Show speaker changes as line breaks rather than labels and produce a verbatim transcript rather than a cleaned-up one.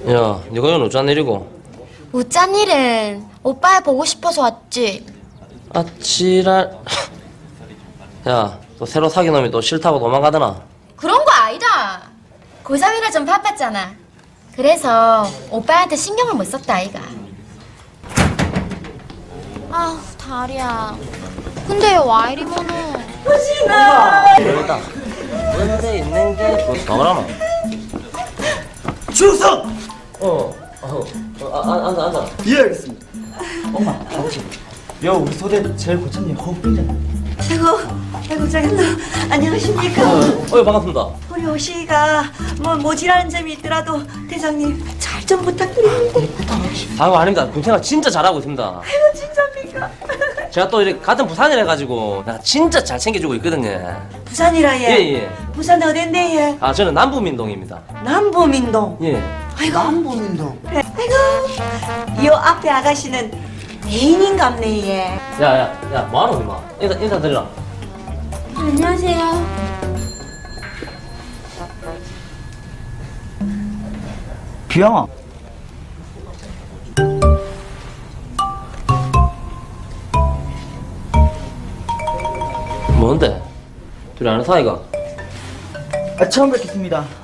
야, 니가 이건 어쩐 일이고?
어쩐 일은 오빠 보고 싶어서 왔지.
아, 지랄. 야, 또 새로 사귄 놈이 또 싫다고 도망가더나?
그런 거 아니다. 고삼이라 좀 바빴잖아. 그래서 오빠한테 신경을 못 썼다 아이가. 아우 다리야. 근데 와 이리 모노.
그러다. 근데 있는 게 뭐더라마?
충성!
어, 어, 어, 아, 앉아, 앉아.
예, 알겠습니다. 엄마, 아버지. 여 우리 소대 제일 고참님 허웅이잖아.
아이고, 아이고, 장인도 안녕하십니까?
어, 어, 반갑습니다.
우리 오시가 뭐 모질하는 점이 있더라도 대장님 잘 좀 부탁드립니다.
아이고, 아닙니다. 군생활 진짜 잘하고 있습니다.
아이고, 진짜입니까?
제가 또 이렇게 같은 부산이라 가지고 내가 진짜 잘 챙겨주고 있거든요.
부산이라 예.
예, 예.
부산 어딘데 예?
아, 저는 남부민동입니다.
남부민동.
예.
아이고, 남부민동. 아이고, 요 앞에 아가씨는 애인인갑네 예.
야, 야, 야, 뭐하노, 임마? 인사, 인사드리라.
안녕하세요.
비양아.
뭔데? 둘이 아는 사이가?
아, 처음 뵙겠습니다.